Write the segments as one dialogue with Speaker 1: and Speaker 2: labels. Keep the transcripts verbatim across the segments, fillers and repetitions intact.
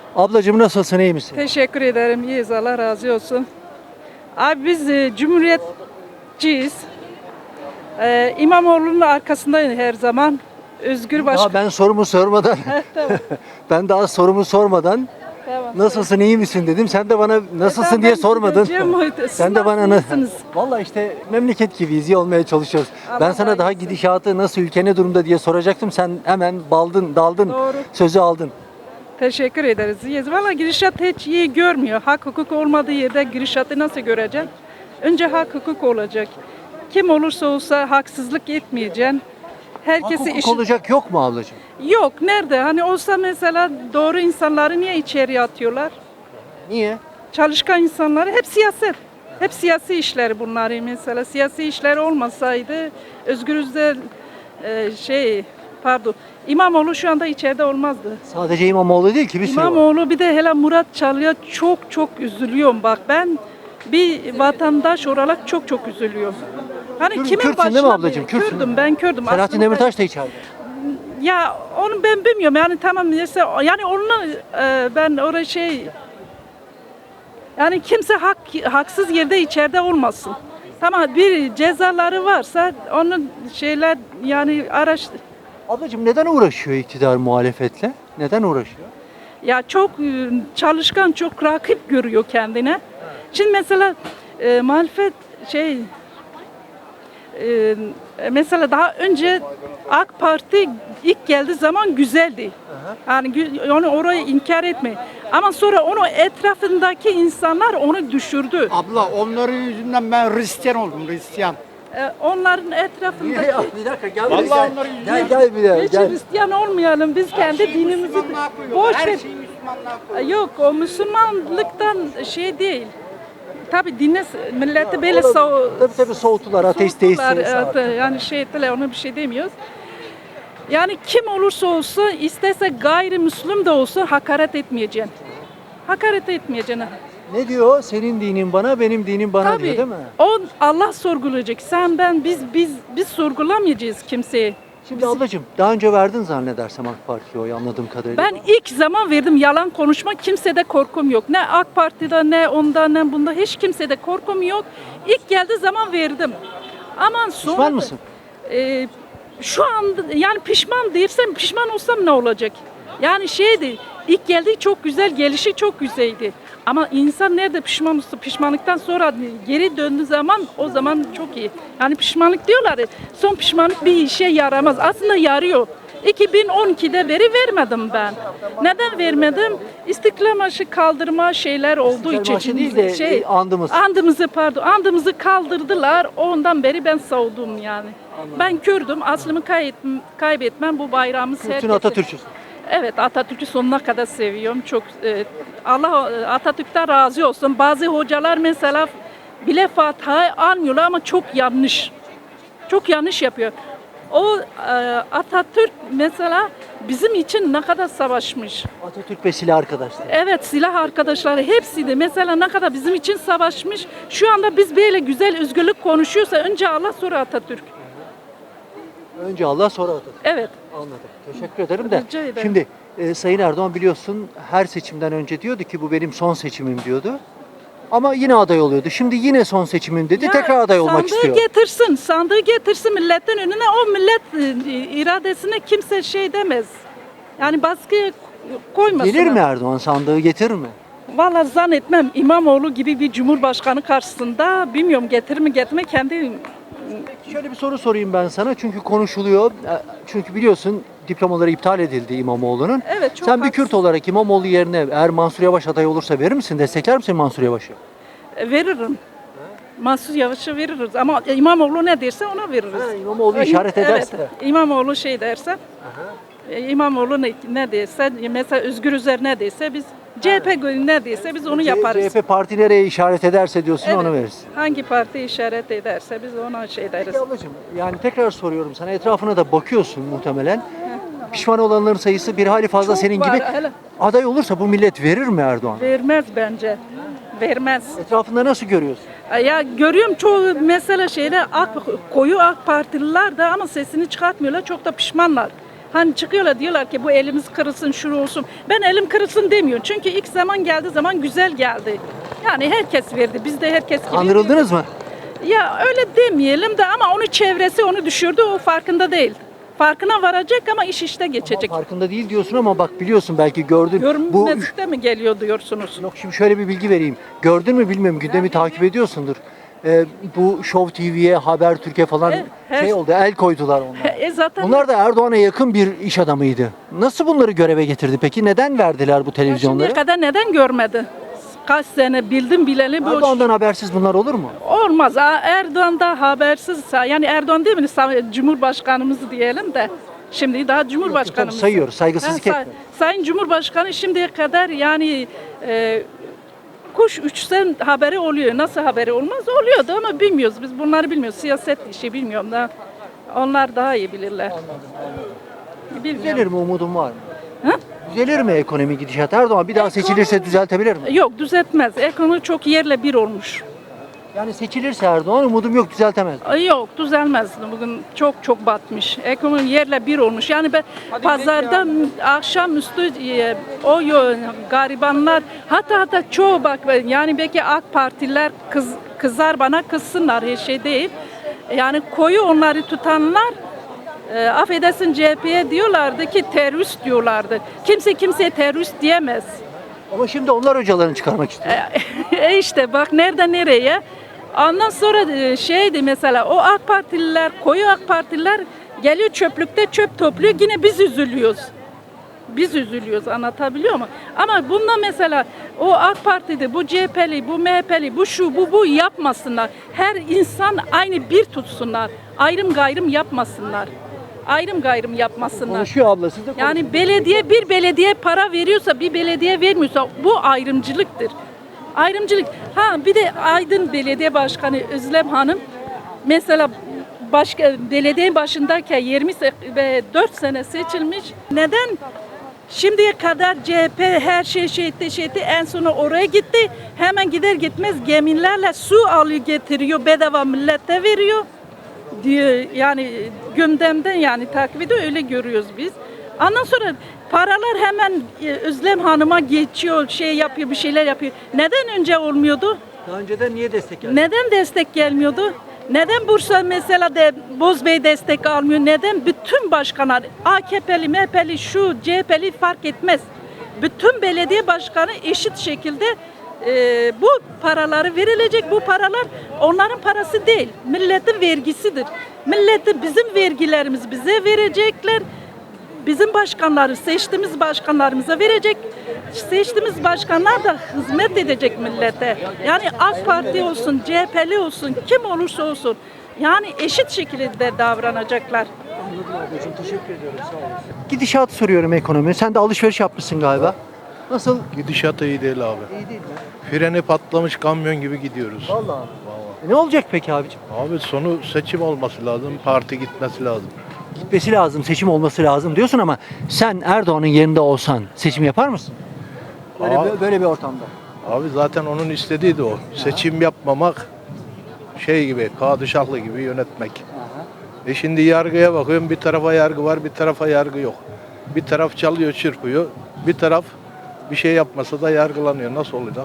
Speaker 1: Ablacığım nasılsın, iyi misin?
Speaker 2: Teşekkür ederim. İyiyiz. Allah razı olsun. Abi biz e, cumhuriyetçiyiz. E, İmamoğlu'nun arkasındayız her zaman. Özgür
Speaker 1: Daha
Speaker 2: Başkan.
Speaker 1: ben sorumu sormadan,
Speaker 2: Tamam.
Speaker 1: ben daha sorumu sormadan
Speaker 2: Tamam.
Speaker 1: nasılsın, iyi misin dedim. Sen de bana nasılsın
Speaker 2: Tamam,
Speaker 1: diye
Speaker 2: ben
Speaker 1: sormadın.
Speaker 2: gideceğim o- Siz
Speaker 1: Sen de bana
Speaker 2: nasılsınız?
Speaker 1: Vallahi işte memleket gibiyiz, iyi olmaya çalışıyoruz.
Speaker 2: Allah
Speaker 1: Ben sana daha
Speaker 2: hayırlısı.
Speaker 1: gidişatı nasıl, ülke ne durumda diye soracaktım. Sen hemen baldın, daldın,
Speaker 2: Doğru.
Speaker 1: sözü aldın.
Speaker 2: Teşekkür ederiz. İyiyiz. Valla gidişat hiç iyi görmüyor. Hak hukuk olmadığı yerde gidişatı nasıl göreceksin? Önce hak hukuk olacak. Kim olursa olsa haksızlık etmeyeceksin.
Speaker 1: Hak
Speaker 2: Herkesi
Speaker 1: hukuk
Speaker 2: işi...
Speaker 1: olacak yok mu ablacığım?
Speaker 2: Yok. Nerede? Hani olsa mesela doğru insanları niye içeriye atıyorlar?
Speaker 1: Niye?
Speaker 2: Çalışkan insanları hep siyaset. Hep siyasi işleri bunları mesela. Siyasi işler olmasaydı Özgür Özel e, şey pardon İmamoğlu şu anda içeride olmazdı.
Speaker 1: Sadece İmamoğlu değil ki, bir sürü var.
Speaker 2: İmamoğlu bir de hele Murat Çalık'a çok çok üzülüyorum bak ben bir vatandaş olarak çok çok üzülüyorum. Hani
Speaker 1: Kürt-
Speaker 2: kimin
Speaker 1: Kürtsün değil mi
Speaker 2: başına
Speaker 1: ablacığım?
Speaker 2: bir-
Speaker 1: Kürtsün.
Speaker 2: Kürdüm ben Kürdüm.
Speaker 1: Selahattin
Speaker 2: Aslında-
Speaker 1: Demirtaş da içeride.
Speaker 2: Ya onu ben bilmiyorum yani tamam mesela yani onu e, ben oraya şey yani kimse hak haksız yerde içeride olmasın. Tamam bir cezaları varsa onun şeyler yani araş
Speaker 1: Ablacığım neden uğraşıyor iktidar muhalefetle? Neden uğraşıyor?
Speaker 2: ya çok e, çalışkan çok rakip görüyor kendine. Şimdi mesela e, muhalefet şey e, mesela daha önce AK Parti ilk geldiği zaman güzeldi. Yani gü- onu orayı inkar etme. Ama sonra onu etrafındaki insanlar onu düşürdü.
Speaker 3: Abla onların yüzünden ben Hristiyan oldum, Hristiyan.
Speaker 2: E, onların etrafındaki
Speaker 1: Bir dakika gel
Speaker 3: Vallahi
Speaker 1: gel.
Speaker 3: onları
Speaker 1: Gel gel bir daha
Speaker 2: hiç
Speaker 1: gel.
Speaker 2: Hristiyan olmayalım biz kendi dinimizi
Speaker 3: Müslümanlığa koyuyorlar.
Speaker 2: boş
Speaker 3: Her
Speaker 2: ver.
Speaker 3: şeyi Müslümanlığa koyuyorlar.
Speaker 2: Yok o Müslümanlıktan şey değil. Tabi dinle milleti böyle so
Speaker 1: Tabii tabii soğuttular, ateist
Speaker 2: soğuttular,
Speaker 1: değilsiniz.
Speaker 2: evet, yani şey ettiler ona bir şey demiyoruz. Yani kim olursa olsa istese gayrimüslim de olsa hakaret etmeyeceksin. Hakaret etmeyeceksin.
Speaker 1: Ne diyor? Senin dinin bana, benim dinim bana diyor
Speaker 2: Tabii.
Speaker 1: değil mi?
Speaker 2: O Allah sorgulayacak. Sen ben biz biz biz sorgulamayacağız kimseyi.
Speaker 1: Şimdi ablacığım daha önce verdin zannedersem AK Parti'ye oy, anladığım kadarıyla.
Speaker 2: Ben ilk zaman verdim yalan konuşma kimsede korkum yok. Ne AK Parti'de ne onda ne bunda hiç kimsede korkum yok. İlk geldiği zaman verdim. Ama sonra
Speaker 1: Pişman mısın?
Speaker 2: e, şu an yani pişman değilsem pişman olsam ne olacak? Yani şeydi ilk geldiği çok güzel gelişi çok güzeldi. Ama insan nerede pişman olsa pişmanlıktan sonra geri döndüğü zaman o zaman çok iyi. Yani pişmanlık diyorlar ya, son pişmanlık bir işe yaramaz. Aslında yarıyor. iki bin on ikide beri vermedim ben. Neden vermedim? İstiklal Marşı kaldırma şeyler olduğu
Speaker 1: İstiklal
Speaker 2: için.
Speaker 1: Marşı değil de, e, andımız.
Speaker 2: Andımızı pardon. Andımızı kaldırdılar. Ondan beri ben savdum yani. Ben Kürdüm. Aslımı kaybetmem, kaybetmem bu bayrağımız
Speaker 1: Bütün
Speaker 2: herkese.
Speaker 1: Atatürkçüsün.
Speaker 2: Evet Atatürk'ü sonuna kadar seviyorum. Çok e, Allah e, Atatürk'ten razı olsun. Bazı hocalar mesela bile Fatiha'yı almıyorlar ama çok yanlış. Çok yanlış yapıyor. O e, Atatürk mesela bizim için ne kadar savaşmış.
Speaker 1: Atatürk ve silah arkadaşlar.
Speaker 2: Evet silah arkadaşları hepsi de mesela ne kadar bizim için savaşmış. Şu anda biz böyle güzel özgürlük konuşuyorsa önce Allah sonra Atatürk.
Speaker 1: Önce Allah sonra Atatürk.
Speaker 2: Evet.
Speaker 1: Anladım. Teşekkür ederim de.
Speaker 2: Rica ederim.
Speaker 1: Şimdi e, Sayın Erdoğan biliyorsun her seçimden önce diyordu ki bu benim son seçimim diyordu. Ama yine aday oluyordu. Şimdi yine son seçimim dedi.
Speaker 2: Ya
Speaker 1: Tekrar aday olmak
Speaker 2: sandığı
Speaker 1: istiyor.
Speaker 2: getirsin, sandığı getirsin milletin önüne. O millet e, iradesine kimse şey demez. Yani baskı koymasın.
Speaker 1: Gelir mi Erdoğan, sandığı getirir mi?
Speaker 2: Valla zannetmem İmamoğlu gibi bir cumhurbaşkanı karşısında bilmiyorum getirir mi getirme kendi
Speaker 1: Şöyle bir soru sorayım ben sana çünkü konuşuluyor. E, Çünkü biliyorsun diplomaları iptal edildi İmamoğlu'nun.
Speaker 2: Evet, çok
Speaker 1: Sen bir
Speaker 2: haklısın.
Speaker 1: Kürt olarak İmamoğlu yerine eğer Mansur Yavaş aday olursa verir misin? Destekler misin Mansur Yavaş'ı?
Speaker 2: e, veririm. Mansur Yavaş'a veririz ama İmamoğlu ne derse ona veririz.
Speaker 1: Ha, İmamoğlu
Speaker 2: E,
Speaker 1: işaret ederse.
Speaker 2: Evet, İmamoğlu şey derse, e, İmamoğlu ne, ne derse, mesela Özgür Özel ne derse biz C H P ne derse biz onu yaparız.
Speaker 1: C H P parti nereye işaret ederse diyorsun onu
Speaker 2: Evet,
Speaker 1: veririz.
Speaker 2: hangi parti işaret ederse biz ona şey deriz.
Speaker 1: Peki ablacığım yani tekrar soruyorum sana, etrafına da bakıyorsun muhtemelen. Pişman olanların sayısı bir hali fazla
Speaker 2: Çok
Speaker 1: senin
Speaker 2: var,
Speaker 1: gibi.
Speaker 2: hele.
Speaker 1: Aday olursa bu millet verir mi Erdoğan?
Speaker 2: Vermez bence. Vermez.
Speaker 1: Etrafında nasıl görüyorsun?
Speaker 2: Ya görüyorum çoğu mesela şeyde AK, koyu AK Partililer de ama sesini çıkartmıyorlar. Çok da pişmanlar. Hani çıkıyorlar diyorlar ki bu elimiz kırılsın, şuru olsun. Ben elim kırılsın demiyorum. Çünkü ilk zaman geldiği zaman güzel geldi. Yani herkes verdi. Biz de herkes gibi.
Speaker 1: Kandırıldınız mı?
Speaker 2: Ya öyle demeyelim de ama onun çevresi onu düşürdü. O farkında değil. Farkına varacak ama iş işte geçecek.
Speaker 1: Ama farkında değil diyorsun ama bak biliyorsun belki gördün. Bu
Speaker 2: Görünmezlikte mi geliyor diyorsunuz?
Speaker 1: Yok şimdi şöyle bir bilgi vereyim. Gördün mü bilmiyorum gündemi takip ediyorsundur. Ee, bu Show T V'ye, Habertürk'e falan
Speaker 2: E, her-
Speaker 1: şey oldu, el koydular onlar.
Speaker 2: E zaten
Speaker 1: Bunlar da Erdoğan'a yakın bir iş adamıydı. Nasıl bunları göreve getirdi peki? Neden verdiler bu televizyonları?
Speaker 2: şimdiye kadar neden görmedi? Kaç sene bildim bileli bu
Speaker 1: Erdoğan'dan habersiz bunlar olur mu?
Speaker 2: olmaz. Ha, Erdoğan da habersiz, yani Erdoğan değil mi? Sa- Cumhurbaşkanımız diyelim de. Şimdi daha Cumhurbaşkanımız.
Speaker 1: Tabii sayıyoruz, saygısızlık
Speaker 2: Ha, say-
Speaker 1: etme.
Speaker 2: Sayın Cumhurbaşkanı şimdiye kadar yani e, kuş uçsan haberi oluyor. Nasıl haberi olmaz? Oluyordu ama bilmiyoruz. Biz bunları bilmiyoruz. Siyaset işi bilmiyorum da. Onlar daha iyi bilirler.
Speaker 1: Düzelir
Speaker 2: Bilmiyorum.
Speaker 1: mi umudun var mı?
Speaker 2: Ha?
Speaker 1: Düzelir mi ekonomi gidişat? Erdoğan bir daha seçilirse düzeltebilir mi?
Speaker 2: Yok düzeltmez. Ekonomi çok yerle bir olmuş.
Speaker 1: Yani seçilirse Erdoğan umudum yok düzeltemez.
Speaker 2: Ay yok düzelmez. Bugün çok çok batmış. Ekonomi yerle bir olmuş. Yani ben pazarda akşamüstü e, o yo- garibanlar hatta hatta çoğu bak yani belki AK Partiler kız, kızar bana kızsınlar her şey değil. Yani koyu onları tutanlar e, affedersin C H P'ye diyorlardı ki terörist diyorlardı. Kimse kimseye terörist diyemez.
Speaker 1: Ama şimdi onlar hocalarını çıkarmak istiyor.
Speaker 2: E işte bak nereden nereye. Ondan sonra e, şeydi mesela o AK Partililer, koyu AK Partililer geliyor çöplükte çöp topluyor. Yine biz üzülüyoruz. Biz üzülüyoruz anlatabiliyor muyum? Ama bunda mesela o AK Parti'de bu C H P'li, bu M H P'li, bu şu bu bu yapmasınlar. Her insan aynı bir tutsunlar. Ayrım gayrım yapmasınlar. Ayrım gayrım yapmasınlar.
Speaker 1: Konuşuyor abla siz de konuşun.
Speaker 2: Yani belediye bir belediye para veriyorsa bir belediye vermiyorsa bu ayrımcılıktır. Ayrımcılık. Ha bir de Aydın Belediye Başkanı Özlem Hanım mesela başka belediye başındayken yirmi ve dört sene seçilmiş. Neden şimdiye kadar C H P her şey şey etti, şey etti. En sona oraya gitti. Hemen gider gitmez gemilerle su alıyor getiriyor. Bedava millete veriyor diyor. Yani gündemden yani takip ediyor. Öyle görüyoruz biz. Ondan sonra paralar hemen e, Özlem Hanım'a geçiyor, şey yapıyor, bir şeyler yapıyor. Neden önce olmuyordu?
Speaker 1: Daha önceden niye destek geldi?
Speaker 2: Neden destek gelmiyordu? Neden Bursa mesela de Bozbey destek almıyor? Neden bütün başkanlar A K P'li, M H P'li, şu C H P'li fark etmez. Bütün belediye başkanı eşit şekilde e, bu paraları verilecek. Bu paralar onların parası değil. Milletin vergisidir. Milleti bizim vergilerimiz bize verecekler. Bizim başkanları seçtiğimiz başkanlarımıza verecek. Seçtiğimiz başkanlar da hizmet edecek millete. Yani AK Parti olsun, C H P'li olsun, kim olursa olsun. Yani eşit şekilde davranacaklar.
Speaker 1: Ablacığım teşekkür ediyorum sağ olasın. Gidişat soruyorum ekonomi. Sen de alışveriş yapmışsın galiba. Nasıl?
Speaker 4: Gidişat iyi değil abi.
Speaker 1: İyi değil mi?
Speaker 4: Freni patlamış kamyon gibi gidiyoruz.
Speaker 1: Vallahi. E ne olacak peki abicim?
Speaker 4: Abi sonu seçim olması lazım, parti gitmesi lazım.
Speaker 1: Gitmesi lazım, seçim olması lazım diyorsun ama sen Erdoğan'ın yerinde olsan seçim yapar mısın? Böyle,
Speaker 4: Aa.
Speaker 1: böyle bir ortamda.
Speaker 4: Abi zaten onun istediği de o. Seçim yapmamak şey gibi, padişahlı gibi yönetmek. E şimdi yargıya bakıyorum, bir tarafa yargı var, bir tarafa yargı yok. Bir taraf çalıyor, çırpıyor, bir taraf bir şey yapmasa da yargılanıyor. Nasıl olacak?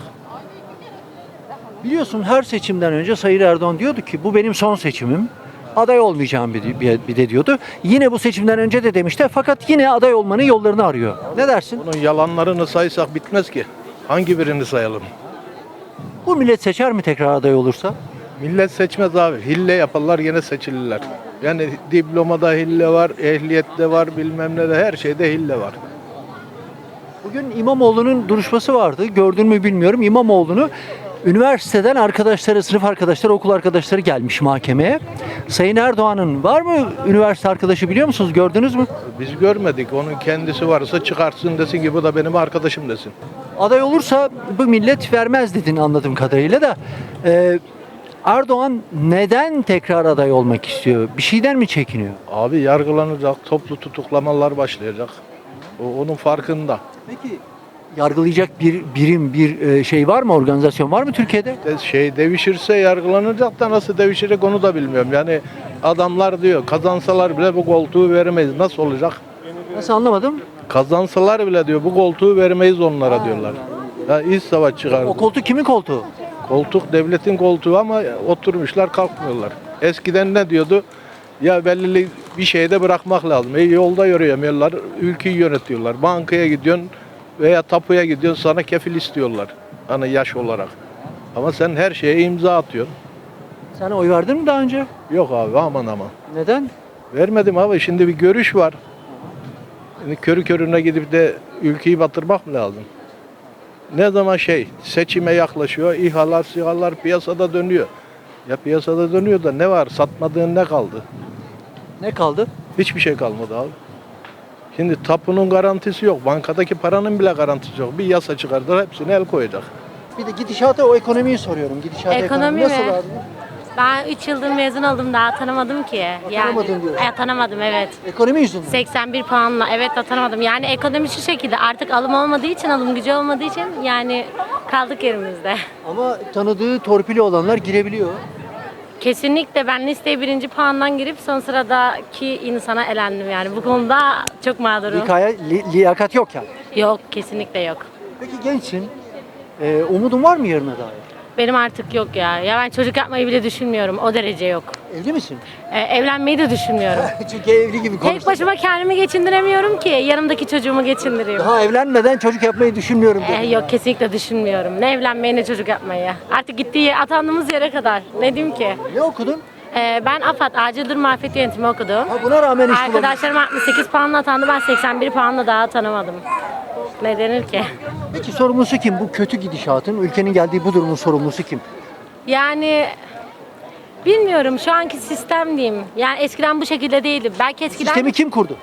Speaker 1: Biliyorsun her seçimden önce Sayın Erdoğan diyordu ki bu benim son seçimim. Aday olmayacağım bir, bir, bir de diyordu. Yine bu seçimden önce de demişti fakat yine aday olmanın yollarını arıyor. Ne dersin?
Speaker 4: Bunun yalanlarını saysak bitmez ki. Hangi birini sayalım?
Speaker 1: Bu millet seçer mi tekrar aday olursa?
Speaker 4: Millet seçmez abi. Hille yaparlar gene seçilirler. Yani diplomada hille var, ehliyette var, bilmem ne de her şeyde hille var.
Speaker 1: Bugün İmamoğlu'nun duruşması vardı. Gördün mü bilmiyorum. İmamoğlu'nu üniversiteden arkadaşları, sınıf arkadaşları, okul arkadaşları gelmiş mahkemeye. Sayın Erdoğan'ın var mı üniversite arkadaşı biliyor musunuz? Gördünüz mü?
Speaker 4: Biz görmedik. Onun kendisi varsa çıkartsın desin ki bu da benim arkadaşım desin.
Speaker 1: Aday olursa bu millet vermez dedin anladığım kadarıyla da. Ee, Erdoğan neden tekrar aday olmak istiyor? Bir şeyden mi çekiniyor?
Speaker 4: Abi yargılanacak, toplu tutuklamalar başlayacak. O onun farkında.
Speaker 1: Peki yargılayacak bir birim, bir e, şey var mı? Organizasyon var mı Türkiye'de?
Speaker 4: De- Şey devişirse yargılanacak da nasıl devişecek onu da bilmiyorum. Yani adamlar diyor kazansalar bile bu koltuğu veremeyiz. Nasıl olacak?
Speaker 1: Nasıl anlamadım?
Speaker 4: Kazansalar bile diyor bu koltuğu vermeyiz onlara diyorlar. Ya iç savaş çıkardı.
Speaker 1: O koltuk kimin koltuğu?
Speaker 4: Koltuk devletin koltuğu ama oturmuşlar kalkmıyorlar. Eskiden ne diyordu? Ya belirli bir şeyde bırakmak lazım. E, yolda yürüyemiyorlar, ülkeyi yönetiyorlar. Bankaya gidiyorsun veya tapuya gidiyorsun sana kefil istiyorlar. Hani yaş olarak. Ama sen her şeye imza atıyorsun.
Speaker 1: Sen oy verdin mi daha önce?
Speaker 4: Yok abi aman aman.
Speaker 1: Neden?
Speaker 4: Vermedim abi şimdi bir görüş var. Şimdi körü körüne gidip de ülkeyi batırmak mı lazım? Ne zaman şey seçime yaklaşıyor, İHA'lar, SİHA'lar piyasada dönüyor. Ya piyasada dönüyor da ne var? Satmadığın ne kaldı?
Speaker 1: Ne kaldı?
Speaker 4: Hiçbir şey kalmadı abi. Şimdi tapunun garantisi yok. Bankadaki paranın bile garantisi yok. Bir yasa çıkardılar hepsine el koyacak.
Speaker 1: Bir de gidişata o ekonomiyi soruyorum. Gidişata
Speaker 5: Ekonomi
Speaker 1: nasıl
Speaker 5: mi?
Speaker 1: abi?
Speaker 5: Ben üç yıldır mezun oldum daha atanamadım ki.
Speaker 1: Atanamadın diyorsun.
Speaker 5: E, atanamadım evet.
Speaker 1: Ekonomi yüzünden.
Speaker 5: seksen bir puanla evet atanamadım. Yani ekonomi şu şekilde artık alım olmadığı için, alım gücü olmadığı için yani kaldık yerimizde.
Speaker 1: Ama tanıdığı torpili olanlar girebiliyor.
Speaker 5: Kesinlikle ben listeye birinci puandan girip son sıradaki insana elendim yani. Bu konuda çok mağdurum.
Speaker 1: Likaya, li- liyakat yok yani.
Speaker 5: Yok kesinlikle yok.
Speaker 1: Peki gençsin. Ee, umudun var mı yarına dair?
Speaker 5: Benim artık yok ya. Ya ben çocuk yapmayı bile düşünmüyorum. O derece yok.
Speaker 1: Evli misin?
Speaker 5: E, evlenmeyi de düşünmüyorum.
Speaker 1: Çünkü evli gibi
Speaker 5: Tek
Speaker 1: konuştun.
Speaker 5: başıma kendimi geçindiremiyorum ki yanımdaki çocuğumu geçindireyim.
Speaker 1: Daha evlenmeden çocuk yapmayı düşünmüyorum
Speaker 5: Eh,
Speaker 1: dedin.
Speaker 5: yok kesinlikle düşünmüyorum. Ne evlenmeyi ne çocuk yapmayı. Artık gittiği atandığımız yere kadar. Ne diyeyim ki?
Speaker 1: Ne okudun?
Speaker 5: Eh, ben AFAD Acil Durum Afet Yönetimi okudum.
Speaker 1: Ha, buna rağmen iş bulamadın.
Speaker 5: Arkadaşlarım altmış sekiz puanla atandı. Ben seksen bir puanla daha atanamadım. Ne denir ki?
Speaker 1: Peki sorumlusu kim? Bu kötü gidişatın, ülkenin geldiği bu durumun sorumlusu kim?
Speaker 5: Yani bilmiyorum şu anki sistem diyeyim. Yani eskiden bu şekilde değildi. Belki eskiden
Speaker 1: Sistemi kim kurdu?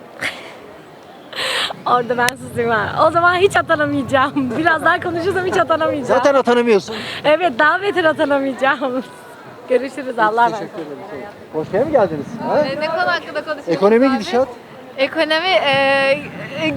Speaker 5: orada ben susayım ha. O zaman hiç atanamayacağım. Biraz daha konuşursam hiç atanamayacağım.
Speaker 1: Zaten atanamıyorsun.
Speaker 5: Evet daha beter atanamayacağım. Görüşürüz Allah'a emanet.
Speaker 1: Teşekkür ederim. Hoş mi geldiniz? Ha?
Speaker 6: E, Ne konu hakkında konuşuyoruz
Speaker 1: Ekonomi
Speaker 6: abi?
Speaker 1: gidişat.
Speaker 6: Ekonomi, e, e,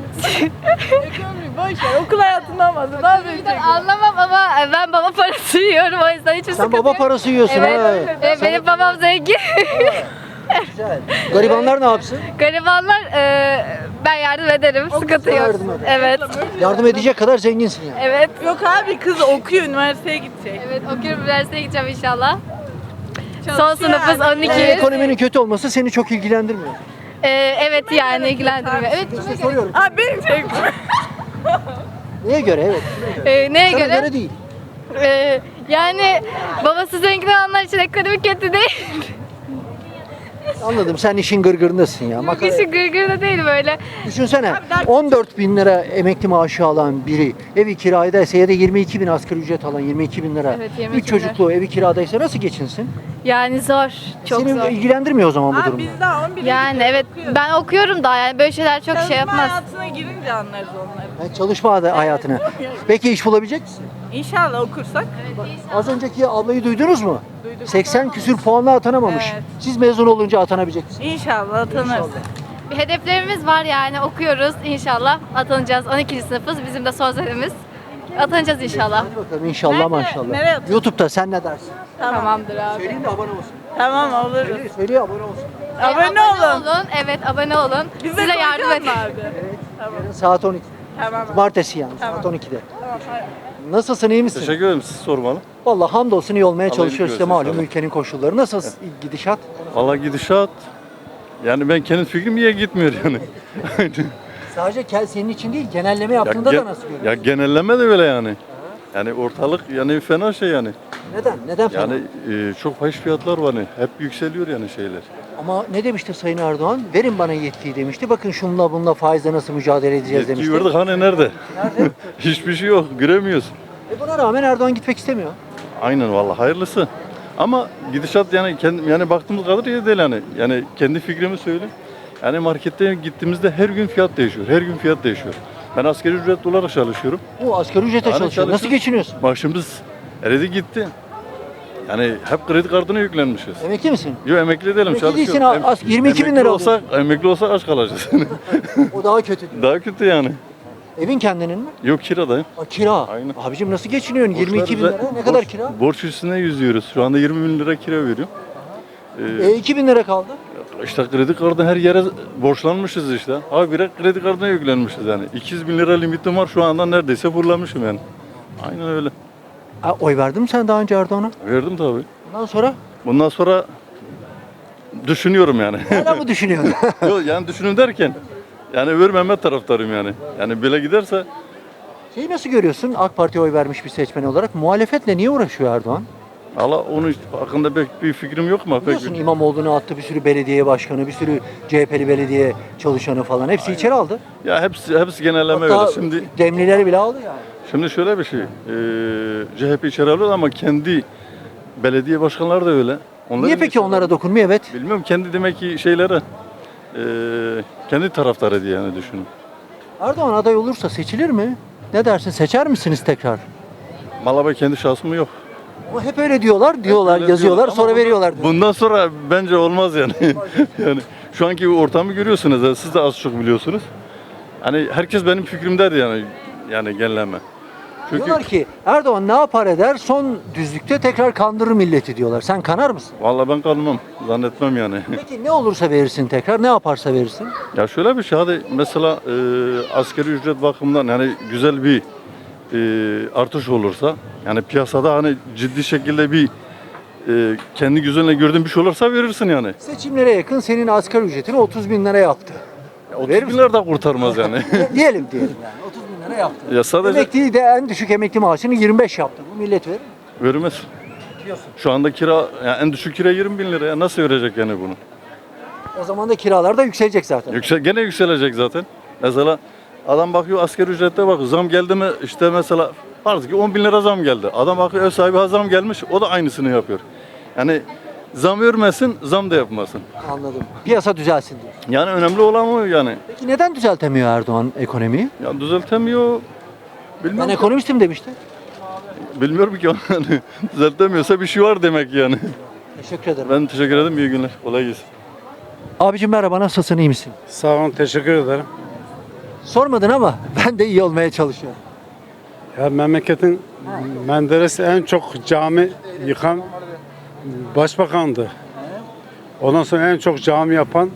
Speaker 2: Boş ver, okul hayatından bahsediyor. Ne yapacaksın?
Speaker 6: anlamam ama ben baba parası yiyorum o yüzden hiçbir
Speaker 1: Sen
Speaker 6: sıkıntı
Speaker 1: baba
Speaker 6: yok.
Speaker 1: parası yiyorsun
Speaker 6: Evet,
Speaker 1: ha.
Speaker 6: evet, benim babam zengin.
Speaker 1: Güzel. Garibanlar ne yapsın?
Speaker 6: Garibanlar, e, ben yardım ederim, sıkıntı yok.
Speaker 1: yardım eder.
Speaker 6: Evet,
Speaker 1: Yardım edecek kadar zenginsin yani.
Speaker 6: evet.
Speaker 2: Yok abi kız okuyor, üniversiteye gidecek.
Speaker 6: Evet, okuyorum, üniversiteye gideceğim inşallah. Son sınıfız on
Speaker 1: Yani
Speaker 6: iki.
Speaker 1: ekonominin kötü olması seni çok ilgilendirmiyor.
Speaker 6: E, evet yani ilgilendirmiyor. Evet,
Speaker 1: İşte soruyorum.
Speaker 2: Abi benim şey...
Speaker 1: Neye göre? Evet.
Speaker 6: e, neye
Speaker 1: Sana
Speaker 6: göre?
Speaker 1: göre değil.
Speaker 6: E, yani babası zengin olanlar için ekonomi kötü değil.
Speaker 1: Anladım. Sen işin gırgırındasın ya. Makara-
Speaker 6: Kişi gırgır da değil böyle.
Speaker 1: Düşünsene on dört bin lira emekli maaşı alan biri evi kiradaysa ya da yirmi iki bin asgari ücret alan yirmi iki bin lira.
Speaker 6: Evet, yirmi
Speaker 1: Üç
Speaker 6: iki bin lira.
Speaker 1: çocuklu evi kiradaysa nasıl geçinsin?
Speaker 6: Yani zor, çok
Speaker 1: Seni
Speaker 6: zor.
Speaker 1: ilgilendirmiyor o zaman bu
Speaker 2: Abi
Speaker 1: durum.
Speaker 2: biz daha on bir
Speaker 6: Yani evet ben okuyorum daha yani böyle şeyler çok şey yapmaz.
Speaker 2: hayatına girince anlarız onları.
Speaker 1: Yani çalışma hadi- hayatına. Peki iş bulabilecek misin?
Speaker 2: İnşallah okursak.
Speaker 1: Az önceki ablayı duydunuz mu? seksen küsür puanla atanamamış.
Speaker 2: Evet.
Speaker 1: Siz mezun olunca atanabilecek misiniz?
Speaker 2: İnşallah atanırız.
Speaker 6: Bir hedeflerimiz var yani okuyoruz inşallah atanacağız. on ikinci sınıfız bizim de son senemiz. Atanacağız inşallah.
Speaker 1: Hadi bakalım inşallah
Speaker 2: Nerede-
Speaker 1: maşallah.
Speaker 2: nereye atıyorsun?
Speaker 1: YouTube'da sen ne dersin?
Speaker 6: Tamamdır abi.
Speaker 1: Söyleyin de abone olsun.
Speaker 2: Tamam oluruz.
Speaker 1: Söyle, söyle abone olsun.
Speaker 2: Abone olun.
Speaker 6: Evet abone olun.
Speaker 2: Bize
Speaker 6: Size yardım
Speaker 2: koyacaksın
Speaker 6: edin.
Speaker 2: mı abi?
Speaker 1: Yarın saat on iki.
Speaker 2: Tamam.
Speaker 1: Cumartesi yani saat on ikide. Nasılsın iyi misin?
Speaker 7: Teşekkür ederim. Siz sormalı.
Speaker 1: Vallahi hamdolsun iyi olmaya
Speaker 7: Allah
Speaker 1: çalışıyoruz işte
Speaker 7: iyilik versin
Speaker 1: malum
Speaker 7: inşallah.
Speaker 1: ülkenin koşulları. Nasıl gidişat?
Speaker 7: Valla gidişat. Yani ben kendi fikrim iyi gitmiyor yani.
Speaker 1: Sadece kel senin için değil genelleme yaptığında
Speaker 7: gen-
Speaker 1: da nasıl görüyorsun?
Speaker 7: ya genelleme de öyle yani. Yani ortalık yani fena şey yani.
Speaker 1: Neden? Neden fena?
Speaker 7: Yani e, çok fahiş fiyatlar var hani. Hep yükseliyor yani şeyler.
Speaker 1: Ama ne demişti Sayın Erdoğan? Verin bana yetkiyi demişti. Bakın şunla bununla faizle nasıl mücadele edeceğiz
Speaker 7: Yetkiyi
Speaker 1: demişti.
Speaker 7: verdik hani nerede?
Speaker 1: Nerede?
Speaker 7: Hiçbir şey yok. Göremiyoruz.
Speaker 1: E buna rağmen Erdoğan gitmek istemiyor.
Speaker 7: Aynen valla hayırlısı. Ama gidişat yani kendim yani baktığımız kadar iyi değil yani. Yani kendi fikrimi söyleyeyim. Yani markette gittiğimizde her gün fiyat değişiyor. Her gün fiyat değişiyor. Ben asgari ücretli olarak çalışıyorum.
Speaker 1: Bu asgari ücrete
Speaker 7: Yani
Speaker 1: çalışıyor. Nasıl
Speaker 7: çalışıyoruz.
Speaker 1: geçiniyorsun?
Speaker 7: Maaşımız eridi gitti. Yani hep kredi kartına yüklenmişiz.
Speaker 1: Emekli misin?
Speaker 7: Yok emekli değilim
Speaker 1: Emekli
Speaker 7: çalışıyorum.
Speaker 1: değilsin,
Speaker 7: Em-
Speaker 1: az- yirmi iki bin
Speaker 7: emekli
Speaker 1: lira
Speaker 7: olsak, emekli olsak aç kalacağız.
Speaker 1: O daha kötü diyor.
Speaker 7: Daha kötü yani.
Speaker 1: Evin kendinin mi?
Speaker 7: Yok kiradayım.
Speaker 1: Aa, kira.
Speaker 7: Aynen.
Speaker 1: Abicim nasıl geçiniyorsun? yirmi iki bin
Speaker 7: Borçlar
Speaker 1: lira.
Speaker 7: üze-
Speaker 1: Ne kadar
Speaker 7: borç-
Speaker 1: kira?
Speaker 7: Borç üstüne yüzüyoruz. Şu anda yirmi bin lira kira veriyorum. Ee,
Speaker 1: E iki bin lira kaldı.
Speaker 7: İşte kredi kartına her yere borçlanmışız işte. Abi bire kredi kartına yüklenmişiz yani. iki yüz bin lira limitim var şu anda neredeyse fırlamışım yani. Aynen öyle.
Speaker 1: Ha, oy verdin mi sen daha önce Erdoğan'a?
Speaker 7: Verdim tabii.
Speaker 1: Ondan sonra
Speaker 7: Bundan sonra düşünüyorum yani.
Speaker 1: hala mı düşünüyorsun?
Speaker 7: Yok yani düşünün derken yani vermeme taraftarıyım yani. Yani böyle giderse
Speaker 1: Şeyi nasıl görüyorsun AK Parti'ye oy vermiş bir seçmen olarak? Muhalefetle niye uğraşıyor Erdoğan?
Speaker 7: Allah onun hakkında pek bir fikrim yok mu? Pek
Speaker 1: Biliyorsun
Speaker 7: bir...
Speaker 1: İmamoğlu'nu attı, bir sürü belediye başkanı, bir sürü C H P'li belediye çalışanı falan. Hepsi içeri aldı.
Speaker 7: Ya hepsi hepsi genelleme
Speaker 1: Hatta
Speaker 7: öyle. Şimdi
Speaker 1: demlileri bile aldı yani.
Speaker 7: şimdi şöyle bir şey. Eee C H P içeri alıyor ama kendi belediye başkanları da öyle. Onları
Speaker 1: Niye
Speaker 7: da
Speaker 1: peki
Speaker 7: içeri
Speaker 1: onlara
Speaker 7: alıyor.
Speaker 1: dokunmuyor? Evet.
Speaker 7: Bilmiyorum kendi demek ki şeylere eee kendi taraftarı diye yani düşünün.
Speaker 1: Erdoğan aday olursa seçilir mi? Ne dersin? Seçer misiniz tekrar?
Speaker 7: Malaba kendi şahsım yok.
Speaker 1: Ama hep öyle diyorlar, diyorlar,
Speaker 7: Öyle
Speaker 1: yazıyorlar,
Speaker 7: diyorlar.
Speaker 1: sonra
Speaker 7: Ama bundan-
Speaker 1: veriyorlar. diyor.
Speaker 7: Bundan sonra bence olmaz yani. Yani şu anki ortamı görüyorsunuz. ya, Siz de az çok biliyorsunuz. Hani herkes benim fikrimdedir yani yani genelleme. Çünkü
Speaker 1: Diyorlar ki Erdoğan ne yapar eder son düzlükte tekrar kandırır milleti diyorlar. Sen kanar mısın?
Speaker 7: vallahi ben kalmam. Zannetmem yani.
Speaker 1: Peki ne olursa verirsin tekrar, ne yaparsa verirsin?
Speaker 7: Ya şöyle bir şey hadi mesela e, asgari ücret bakımından yani güzel bir e, artış olursa yani piyasada hani ciddi şekilde bir e, kendi gözünle gördüğün bir şey olursa verirsin yani.
Speaker 1: Seçimlere yakın senin asgari ücretini otuz bin lira yaptı.
Speaker 7: otuz
Speaker 1: Verir
Speaker 7: bin
Speaker 1: misin?
Speaker 7: lira da kurtarmaz yani.
Speaker 1: diyelim diyelim yani otuz bin lira yaptı.
Speaker 7: Ya sadece
Speaker 1: Emekliyi de en düşük emekli maaşını yirmi beş yaptı. Bu millet verir mi?
Speaker 7: vermez. Şu anda kira yani en düşük kira yirmi bin lira ya nasıl verecek yani bunu?
Speaker 1: O zaman da kiralar da yükselecek zaten.
Speaker 7: Yüksel, gene yükselecek zaten. Mesela adam bakıyor asgari ücrette bak zam geldi mi işte mesela farz ki on bin lira zam geldi. Adam bakıyor ev sahibi ha zam gelmiş o da aynısını yapıyor. Yani zam örmesin zam da yapmasın.
Speaker 1: Anladım. Piyasa düzelsin diyor.
Speaker 7: Yani önemli olan o yani.
Speaker 1: Peki neden düzeltemiyor Erdoğan ekonomiyi?
Speaker 7: Ya düzeltemiyor.
Speaker 1: Ben
Speaker 7: Bilmiyorum, ki,
Speaker 1: ekonomistim demişti.
Speaker 7: bilmiyorum ki yani. Düzeltemiyorsa bir şey var demek yani.
Speaker 1: Teşekkür ederim.
Speaker 7: Ben teşekkür ederim. İyi günler. Kolay gelsin.
Speaker 1: Abicim merhaba, nasılsın, iyi misin?
Speaker 8: Sağ olun, teşekkür ederim.
Speaker 1: Sormadın ama ben de iyi olmaya çalışıyorum.
Speaker 8: Ya memleketin Menderes en çok cami yıkan başbakandı. Ondan sonra en çok cami yapan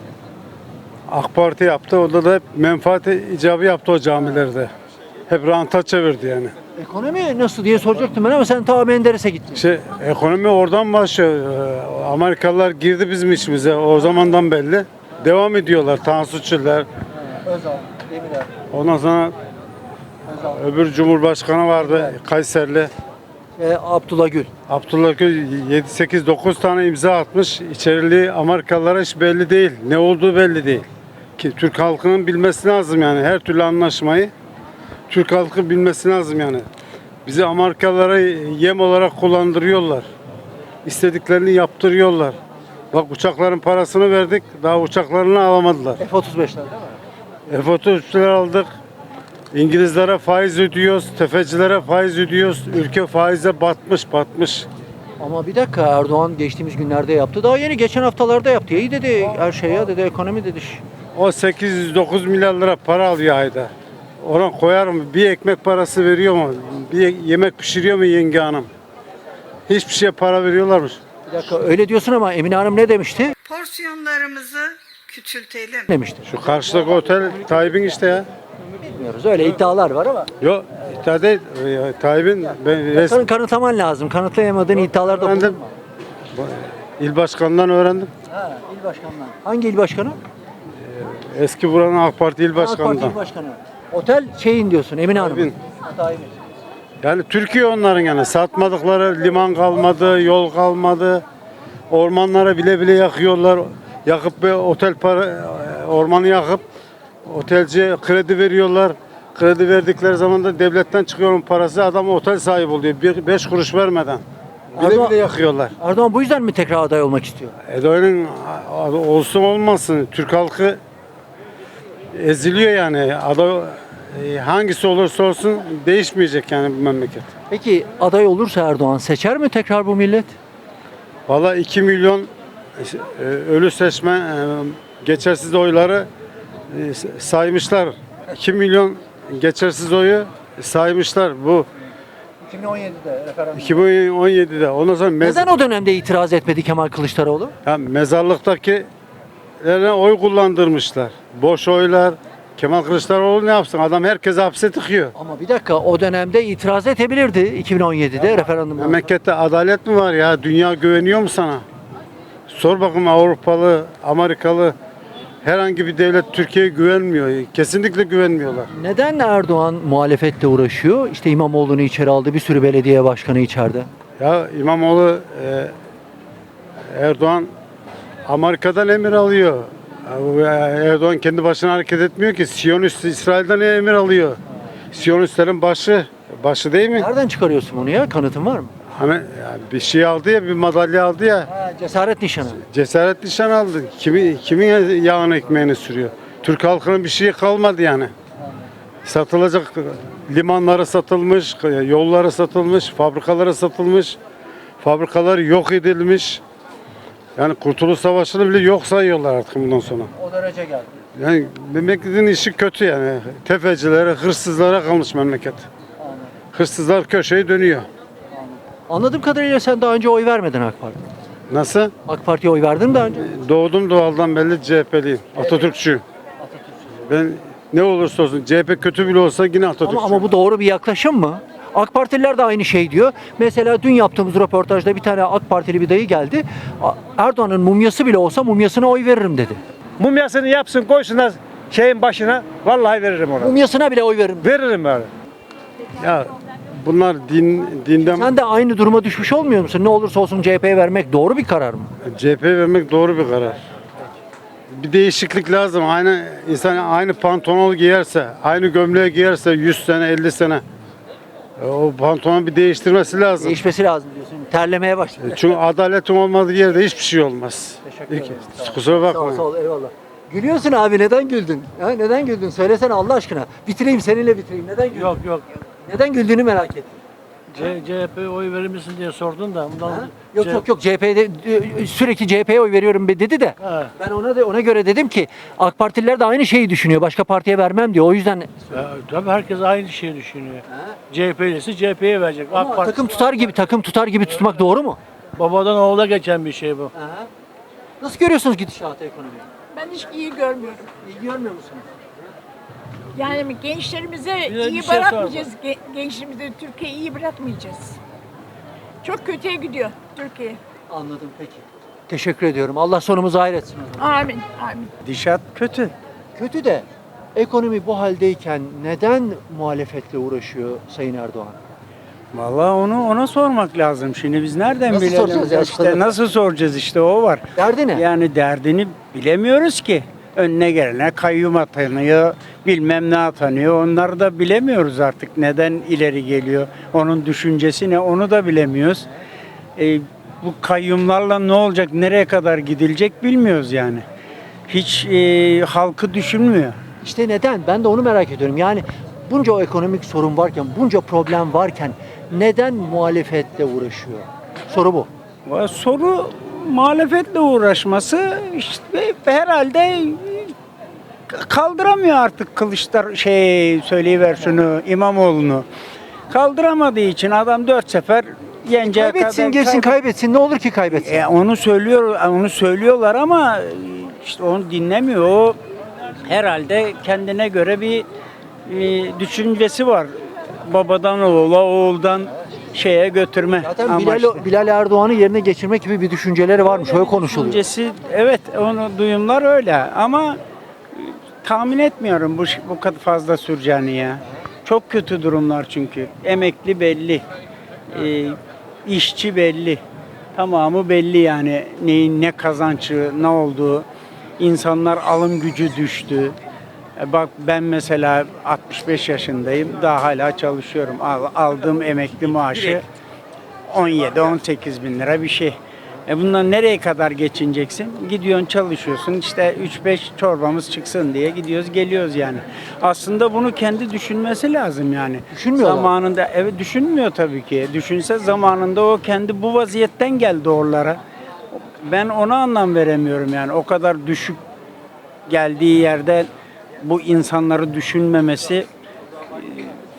Speaker 8: AK Parti yaptı. Orada da hep menfaat icabı yaptı o camilerde. Hep ranta çevirdi yani.
Speaker 1: Ekonomi nasıl diye soracaktım ben ama sen ta Menderes'e gittin.
Speaker 8: İşte ekonomi oradan başlıyor. Ee, Amerikalılar girdi bizim işimize o zamandan belli. Devam ediyorlar Tansu Çiller.
Speaker 1: Özal, Demirel,
Speaker 8: Ondan sonra
Speaker 1: Özal,
Speaker 8: öbür Cumhurbaşkanı vardı Kayserili.
Speaker 1: e, Abdullah Gül.
Speaker 8: Abdullah Gül yedi sekiz dokuz tane imza atmış. İçeriliği Amerikalılara hiç belli değil. Ne olduğu belli değil. Ki Türk halkının bilmesi lazım yani her türlü anlaşmayı Türk halkı bilmesi lazım yani. Bizi Amerikalılara yem olarak kullandırıyorlar. İstediklerini yaptırıyorlar. Bak uçakların parasını verdik. Daha uçaklarını alamadılar.
Speaker 1: F otuz beşler değil mi?
Speaker 8: F otuz üçler aldık. İngilizlere faiz ödüyoruz. Tefecilere faiz ödüyoruz. Ülke faize batmış batmış.
Speaker 1: Ama bir dakika, Erdoğan geçtiğimiz günlerde yaptı. Daha yeni geçen haftalarda yaptı. İyi dedi her şey ya, dedi ekonomi dedi.
Speaker 8: O sekiz yüz dokuz milyar lira para alıyor ayda. Ona koyar mı? Bir ekmek parası veriyor mu? Bir yemek pişiriyor mu yenge hanım? Hiçbir şeye para veriyorlarmış.
Speaker 1: Bir dakika öyle diyorsun ama Emine Hanım ne demişti?
Speaker 9: Porsiyonlarımızı küçültelim.
Speaker 1: Demişti.
Speaker 8: Şu karşıdaki otel Tayyip'in işte ya.
Speaker 1: Bilmiyoruz, öyle iddialar var ama.
Speaker 8: Yok iddia değil. Ee, Tayyip'in ben res-
Speaker 1: Kanı- Kanıtlaman lazım. Kanıtlayamadığın iddialarda
Speaker 8: öğrendim.
Speaker 1: bulunma.
Speaker 8: İl başkanından öğrendim.
Speaker 1: Ha, il başkanından. Hangi il başkanı?
Speaker 8: Eski buranın AK Parti il
Speaker 1: AK Parti
Speaker 8: başkanından.
Speaker 1: il başkanı. Otel şeyin diyorsun Emine Hanım.
Speaker 8: Tayyip'in.
Speaker 1: Tayyip'in.
Speaker 8: Yani Türkiye onların yani satmadıkları liman kalmadı, yol kalmadı. Ormanlara bile bile yakıyorlar. Yakıp bir otel para ormanı yakıp otelciye kredi veriyorlar. Kredi verdikleri zaman da devletten çıkıyor onun parası, adam otel sahibi oluyor. Bir, beş kuruş vermeden. Bile
Speaker 1: Erdoğan-
Speaker 8: bile yakıyorlar.
Speaker 1: Erdoğan bu yüzden mi tekrar aday olmak istiyor?
Speaker 8: Erdoğan'ın olsun olmasın Türk halkı eziliyor yani. Aday e, hangisi olursa olsun değişmeyecek yani bu memleket.
Speaker 1: Peki aday olursa Erdoğan seçer mi tekrar bu millet?
Speaker 8: Valla iki milyon e, ölü seçmen e, geçersiz oyları e, saymışlar. iki milyon geçersiz oyu saymışlar bu
Speaker 1: iki bin on yedide referandum.
Speaker 8: iki bin on yedide. Ondan sonra mez-
Speaker 1: Neden o dönemde itiraz etmedi Kemal Kılıçdaroğlu?
Speaker 8: ya mezarlıktaki oy kullandırmışlar. Boş oylar. Kemal Kılıçdaroğlu ne yapsın? Adam herkese hapse tıkıyor.
Speaker 1: Ama bir dakika, o dönemde itiraz edebilirdi iki bin on yedide referandumda.
Speaker 8: Memlekette adalet mi var ya? Dünya güveniyor mu sana? Sor bakın, Avrupalı, Amerikalı herhangi bir devlet Türkiye'ye güvenmiyor. Kesinlikle güvenmiyorlar.
Speaker 1: Neden Erdoğan muhalefetle uğraşıyor? İşte İmamoğlu'nu içeri aldı, bir sürü belediye başkanı içeride.
Speaker 8: Ya İmamoğlu, e, Erdoğan Amerika'dan emir alıyor. Erdoğan kendi başına hareket etmiyor ki. Siyonist İsrail'den emir alıyor. Siyonistlerin başı, başı değil mi?
Speaker 1: Nereden çıkarıyorsun bunu ya? Kanıtın var mı?
Speaker 8: Hani yani bir şey aldı ya, bir madalya aldı ya.
Speaker 1: Ha, cesaret nişanı.
Speaker 8: Cesaret nişan aldı. Kimi, kimin yağını ekmeğini sürüyor? Türk halkının bir şeyi kalmadı yani. Satılacak limanları satılmış, yolları satılmış, fabrikaları satılmış, fabrikalar yok edilmiş. Yani Kurtuluş Savaşı'nı bile yok sayıyorlar artık bundan sonra.
Speaker 1: O derece geldi.
Speaker 8: Yani memleketin işi kötü yani. Tefecilere, hırsızlara kalmış memleket. Hırsızlar köşeyi dönüyor.
Speaker 1: Anladığım kadarıyla sen daha önce oy vermedin AK Parti.
Speaker 8: Nasıl?
Speaker 1: AK Parti'ye oy verdin mi daha önce?
Speaker 8: Doğdum doğaldan belli C H P'liyim. Atatürkçüyüm. Ben ne olursa olsun C H P kötü bile olsa yine Atatürkçüyüm.
Speaker 1: Ama, ama bu doğru bir yaklaşım mı? AK Partililer de aynı şey diyor. Mesela dün yaptığımız röportajda bir tane AK Partili bir dayı geldi. A- Erdoğan'ın mumyası bile olsa mumyasına oy veririm dedi.
Speaker 10: Mumyasını yapsın, koysunlar şeyin başına. Vallahi veririm ona.
Speaker 1: Mumyasına bile oy veririm.
Speaker 10: Veririm yani.
Speaker 8: Ya bunlar din dinden
Speaker 1: Sen de aynı duruma düşmüş olmuyor musun? Ne olursa olsun C H P'ye vermek doğru bir karar mı?
Speaker 8: C H P vermek doğru bir karar. Bir değişiklik lazım. Aynı insan aynı pantolonu giyerse, aynı gömleği giyerse yüz sene, elli sene e, o pantolonu bir değiştirmesi lazım.
Speaker 1: Değişmesi lazım diyorsun. Terlemeye başladı.
Speaker 8: Çünkü adaletin olmadığı yerde hiçbir şey olmaz.
Speaker 1: Teşekkür ederim.
Speaker 8: İki- Kusura
Speaker 1: Sağ ol,
Speaker 8: bakmayın.
Speaker 1: sağ ol, eyvallah. Gülüyorsun abi, neden güldün? Ha, neden güldün? Söylesene Allah aşkına. Bitireyim, seninle bitireyim. Neden güldün?
Speaker 10: Yok yok.
Speaker 1: Neden güldüğünü merak ettim.
Speaker 10: C CHP'ye oy verir misin diye sordun da. Bundan
Speaker 1: Ha? Yok yok yok, C H P'de e, sürekli C H P'ye oy veriyorum be dedi de.
Speaker 10: Ha.
Speaker 1: Ben ona da ona göre dedim ki AK Partililer de aynı şeyi düşünüyor. Başka partiye vermem diyor. O yüzden
Speaker 10: Ya, tabii herkes aynı şeyi düşünüyor. C H P'lisi C H P'ye verecek. AK
Speaker 1: ama
Speaker 10: Parti
Speaker 1: takım tutar gibi takım tutar gibi tutmak doğru mu?
Speaker 10: babadan oğula geçen bir şey bu.
Speaker 1: Aha. Nasıl görüyorsunuz gidişatı, ekonomiyi?
Speaker 11: Ben hiç iyi görmüyorum.
Speaker 1: İyi görmüyor musunuz?
Speaker 11: Yani gençlerimize
Speaker 10: Bir de bir
Speaker 11: iyi
Speaker 10: şey
Speaker 11: bırakmayacağız. Ge- gençlerimize Türkiye'yi iyi bırakmayacağız. Çok kötüye gidiyor Türkiye.
Speaker 1: Anladım, peki. Teşekkür ediyorum. Allah sonumuzu hayretsin o zaman.
Speaker 11: Amin. Amin.
Speaker 10: Dişat kötü.
Speaker 1: Kötü de ekonomi bu haldeyken neden muhalefetle uğraşıyor Sayın Erdoğan?
Speaker 12: Vallahi onu ona sormak lazım. Şimdi biz nereden
Speaker 1: Nasıl
Speaker 12: bilelim?
Speaker 1: soracağız ya?
Speaker 12: İşte nasıl soracağız, işte o var.
Speaker 1: Derdi ne?
Speaker 12: Yani derdini bilemiyoruz ki. Önüne gelene kayyum atanıyor, bilmem ne atanıyor. Onları da bilemiyoruz artık. Neden ileri geliyor? Onun düşüncesi ne? Onu da bilemiyoruz. E, bu kayyumlarla ne olacak? Nereye kadar gidilecek bilmiyoruz yani. Hiç e, halkı düşünmüyor.
Speaker 1: İşte neden? Ben de onu merak ediyorum. Yani bunca o ekonomik sorun varken, bunca problem varken neden muhalefetle uğraşıyor? Soru bu.
Speaker 12: Va- Soru muhalefetle uğraşması işte herhalde kaldıramıyor artık Kılıçlar şey söyleyiver şunu İmamoğlu'nu. Kaldıramadığı için adam dört sefer yeneceği
Speaker 1: Kaybetsin,
Speaker 12: kadar
Speaker 1: girsin,
Speaker 12: kaybet-
Speaker 1: kaybetsin. Ne olur ki kaybetsin?
Speaker 12: E, onu söylüyor, onu söylüyorlar ama işte onu dinlemiyor. O herhalde kendine göre bir e, düşüncesi var. Babadan oğula, oğuldan şeye götürme
Speaker 1: Zaten
Speaker 12: amaçlı.
Speaker 1: Bilal, Bilal Erdoğan'ı yerine geçirmek gibi bir düşünceleri varmış. Öyle konuşuluyor.
Speaker 12: Düşüncesi, evet, onu duyumlar öyle ama e, tahmin etmiyorum bu bu kadar fazla süreceğini ya. Çok kötü durumlar çünkü. Emekli belli. E, işçi belli. Tamamı belli yani. Neyin ne kazancı, ne olduğu. İnsanlar alım gücü düştü. E, Bak ben mesela altmış beş yaşındayım. Daha hala çalışıyorum. Al- Aldığım emekli maaşı on yedi on sekiz bin lira bir şey. E bundan nereye kadar geçineceksin? Gidiyorsun çalışıyorsun işte üç beş çorbamız çıksın diye gidiyoruz geliyoruz yani. Aslında bunu kendi düşünmesi lazım yani.
Speaker 1: Düşünmüyorlar.
Speaker 12: Zamanında evet düşünmüyor tabii ki. Düşünse zamanında o kendi bu vaziyetten geldi oralara. Ben ona anlam veremiyorum yani. O kadar düşük geldiği yerde bu insanları düşünmemesi e,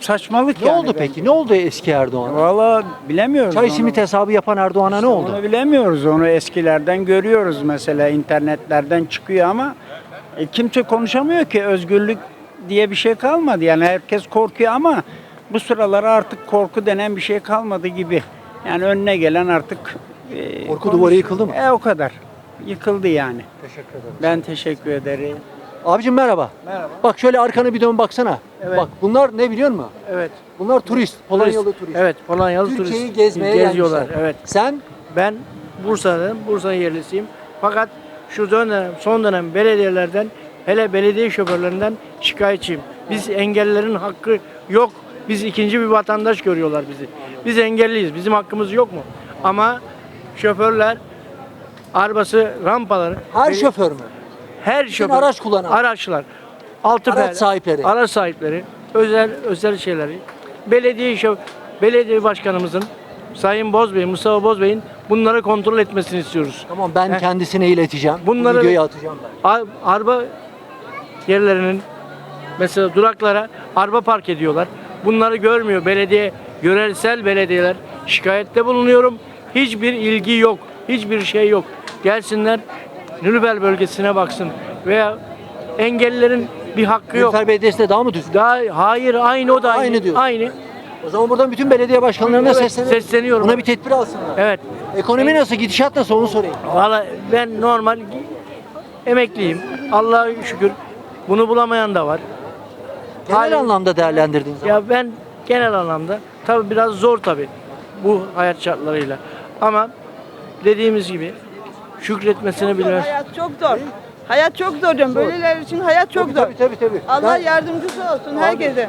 Speaker 12: saçmalık
Speaker 1: Ne
Speaker 12: yani.
Speaker 1: oldu peki? Ne oldu eski Erdoğan'a?
Speaker 12: Valla bilemiyoruz.
Speaker 1: Çay
Speaker 12: onu.
Speaker 1: simit hesabı yapan Erdoğan'a ne oldu?
Speaker 12: Onu bilemiyoruz. Onu eskilerden görüyoruz mesela, internetlerden çıkıyor ama e, kimse konuşamıyor ki. Özgürlük diye bir şey kalmadı. Yani herkes korkuyor ama bu sıralar artık korku denen bir şey kalmadı gibi. Yani önüne gelen artık e,
Speaker 1: Korku
Speaker 12: konuş-
Speaker 1: duvarı yıkıldı mı?
Speaker 12: E o kadar. Yıkıldı yani.
Speaker 1: Teşekkür ederim.
Speaker 12: Ben teşekkür ederim.
Speaker 1: Abicim merhaba.
Speaker 10: Merhaba.
Speaker 1: Bak şöyle arkanı bir dön baksana.
Speaker 10: Evet.
Speaker 1: Bak bunlar ne biliyor musun?
Speaker 10: Evet.
Speaker 1: Bunlar turist. Polonyalı turist.
Speaker 10: Evet, Polonyalı
Speaker 1: Türkiye'yi
Speaker 10: turist.
Speaker 1: gezmeye
Speaker 10: geziyorlar.
Speaker 1: gelmişler.
Speaker 10: Evet.
Speaker 1: Sen
Speaker 10: Ben Bursa'dan, Bursa yerlisiyim. Fakat şu dönem, son dönem belediyelerden, hele belediye şoförlerinden şikayetçiyim. Biz engellilerin hakkı yok. Biz ikinci bir vatandaş görüyorlar bizi. Biz engelliyiz. Bizim hakkımız yok mu? Ama şoförler arabası, rampaları,
Speaker 1: her
Speaker 10: beli-
Speaker 1: şoför mü?
Speaker 10: her şoför,
Speaker 1: araç kullanan.
Speaker 10: araçlar, altı
Speaker 1: Araç
Speaker 10: per-
Speaker 1: sahipleri.
Speaker 10: araç sahipleri, özel özel şeyleri, belediye şo- belediye başkanımızın Sayın Bozbey, Mustafa Bozbey'in bunları kontrol etmesini istiyoruz.
Speaker 1: Tamam ben
Speaker 10: Heh.
Speaker 1: kendisine ileteceğim.
Speaker 10: Bunları-
Speaker 1: Bu videoyu atacağım ben.
Speaker 10: Ar- araba yerlerinin mesela duraklara araba park ediyorlar. Bunları görmüyor belediye, yöresel belediyeler. Şikayette bulunuyorum. Hiçbir ilgi yok. Hiçbir şey yok. Gelsinler Nülübel bölgesine baksın veya engellilerin bir hakkı yok.
Speaker 1: Nilüfer Belediyesi'nde daha mı düzgün?
Speaker 10: Daha hayır, aynı o da aynı.
Speaker 1: Aynı diyor.
Speaker 10: Aynı.
Speaker 1: O zaman buradan bütün belediye başkanlarına
Speaker 10: Evet,
Speaker 1: sesleniyorum.
Speaker 10: sesleniyorum.
Speaker 1: Buna bir tedbir alsınlar.
Speaker 10: Evet.
Speaker 1: Ekonomi nasıl, gidişat nasıl onu sorayım.
Speaker 10: Valla ben normal emekliyim. Allah'a şükür. Bunu bulamayan da var.
Speaker 1: Genel
Speaker 10: Halim-
Speaker 1: anlamda değerlendirdiğin zaman.
Speaker 10: Ya ben genel anlamda tabii biraz zor tabii bu hayat şartlarıyla. Ama dediğimiz gibi şükretmesini bilir.
Speaker 11: Hayat çok zor. Hayat çok zor diyorum. Böyleler için hayat çok zor.
Speaker 1: Tabii tabii tabii.
Speaker 11: Allah
Speaker 1: Ben-
Speaker 11: yardımcısı olsun herkese.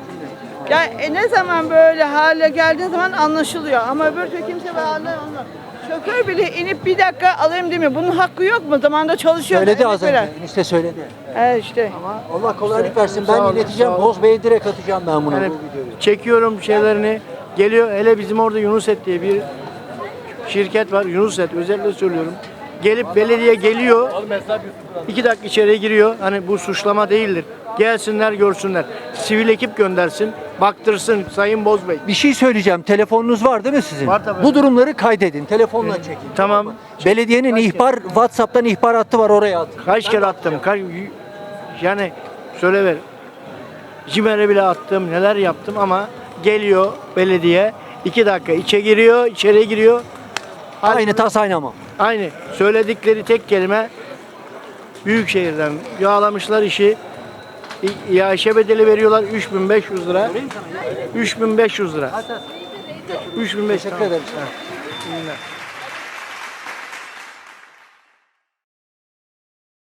Speaker 11: Ya e, ne zaman böyle hale geldiği zaman anlaşılıyor. Ama öbür türlü kimse böyle anlamıyor. Şoför bile inip bir dakika alayım demiyor. Bunun hakkı yok mu? Zamanında çalışıyor.
Speaker 1: Söyledi
Speaker 11: emek
Speaker 1: az önce.
Speaker 11: veren.
Speaker 1: İşte söyledi.
Speaker 11: He işte.
Speaker 1: Allah kolaylık versin.
Speaker 10: Sağ
Speaker 1: Ben
Speaker 10: olun,
Speaker 1: ileteceğim.
Speaker 10: sağ olun.
Speaker 1: Boz Bey'e direkt atacağım ben bunu.
Speaker 10: Yani
Speaker 1: bu videoyu.
Speaker 10: çekiyorum şeylerini. Geliyor hele bizim orada Yunuset diye bir şirket var. Yunuset özellikle söylüyorum. Gelip belediye geliyor. iki dakika içeriye giriyor. Hani bu suçlama değildir. Gelsinler görsünler. Sivil ekip göndersin. Baktırsın Sayın Bozbey.
Speaker 1: Bir şey söyleyeceğim. Telefonunuz var değil mi sizin?
Speaker 10: Var tabii.
Speaker 1: Bu durumları kaydedin. Telefonla çekin.
Speaker 10: Tamam.
Speaker 1: Belediyenin ihbar, WhatsApp'tan ihbar hattı var, oraya atın.
Speaker 10: Kaç kere attım. Kaç, yani söyle ver. Cimer'e bile attım. Neler yaptım ama geliyor belediye. iki dakika içe giriyor. içeriye giriyor.
Speaker 1: Aynı tas aynı ama.
Speaker 10: Aynı. Söyledikleri tek kelime Büyükşehir'den yağlamışlar işi. İ- İaşe bedeli veriyorlar üç bin beş yüz lira. üç bin beş yüz lira. üç bin beş yüz
Speaker 1: Teşekkür ederim.
Speaker 10: Ha.